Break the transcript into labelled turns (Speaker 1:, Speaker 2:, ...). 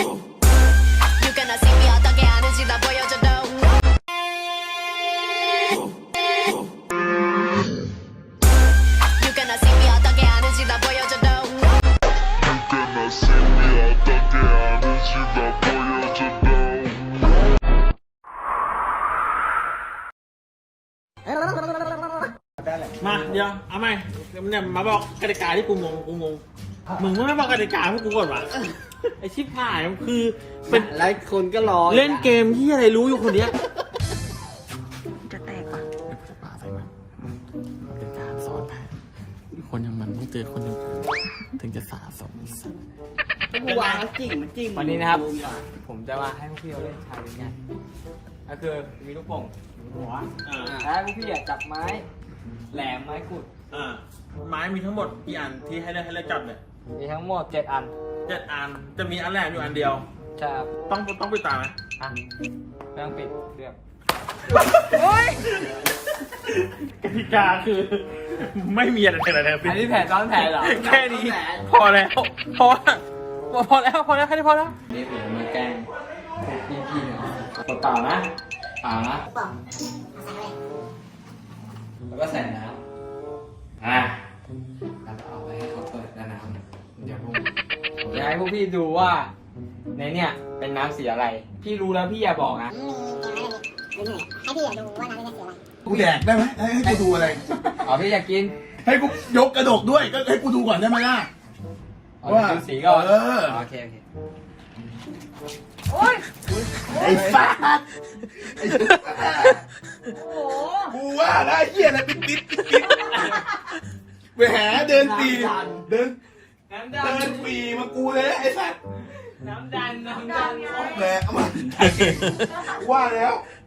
Speaker 1: You gonna see me 어떻게 하는지 다 보여줘도 You gonna see me 어떻게 하는지 다 보여줘도
Speaker 2: gonna see me 어떻게 하는지 다 보여줘도
Speaker 3: มาเดี๋ยวเอาใหม่เนี่ยมาบอกกติกาที่กูงงมึงไม่บอกกติกาพวกกูก่อนวะไอชิบหายมันคือเป็น
Speaker 4: หลายคนก็รอ
Speaker 3: เล่นเกมที่อะไรรู้อยู่คนเนี้ย
Speaker 5: จะแตกว่ะ
Speaker 3: จะป่าใส่มันเป็นการสอนแผนคนอย่างมันต้องเจอคนอย่างถึงจะสะสม
Speaker 4: กูวางแล้วจริงมันจริง
Speaker 6: วันนี้นะครับ ผมจะมาให้พวกพี่เราเล่นชาเลนจ์กันก็คือมีลูกโป่งอยู่บนหัวแล้วพวกพี่จับไม้แหลมไม้ขุด
Speaker 3: ไม้มีทั้งหมดกี่อันที่ให้เลือกจับเนี่ย
Speaker 6: มีทั้งหมด7 อัน
Speaker 3: 7 อันจะมีอันแรกอยู่อันเดียว
Speaker 6: ใช่ครับ
Speaker 3: ต้องปิดตาไหม
Speaker 6: อ่ะไม่ต้องปิดเรื่อง
Speaker 3: กติกาคือ ไม่มีอะไรเลย
Speaker 6: อันนี้แผนซ้อนแผนเหรอ
Speaker 3: แค่นี้พอแล้วพอแล้วแค่นี้พอแล้ว
Speaker 6: นี่ผมมาแกล้งพี่ๆเนาะเปล่านะเปล่านะแล้วก็ใส่น้ำแล้วเอาไว้ให้เขาเปิดน้ำเดี๋ยวผมจะให้พวกพี่ดูว่าในเนี่ยเป็นน้ำสีอะไร พี่รู้แล้วพี่อย่าบอกนะ
Speaker 7: ให้พี่ดูว่าน้ำเป็นสีอะไร
Speaker 8: กูแดกได้ไหมให้กูดูอะไร
Speaker 6: อ๋อพี่อยากกิน
Speaker 8: ให้กูยกกระดกด้วยก็ให้กูดูก่อนได้ไหมล่ะ
Speaker 6: อ๋อดูสีก่อน
Speaker 8: เออ
Speaker 6: โอเค
Speaker 8: ไอ้สัสกูว่าได้เหี้ยอะไรปิดไปหาเดินปีเดิน
Speaker 6: น้ำ
Speaker 8: เดิ
Speaker 6: ดัน
Speaker 8: นปีมากูเลยไอ้สัส
Speaker 6: น้ำดัน
Speaker 8: แหมเอามาว่าแล้ว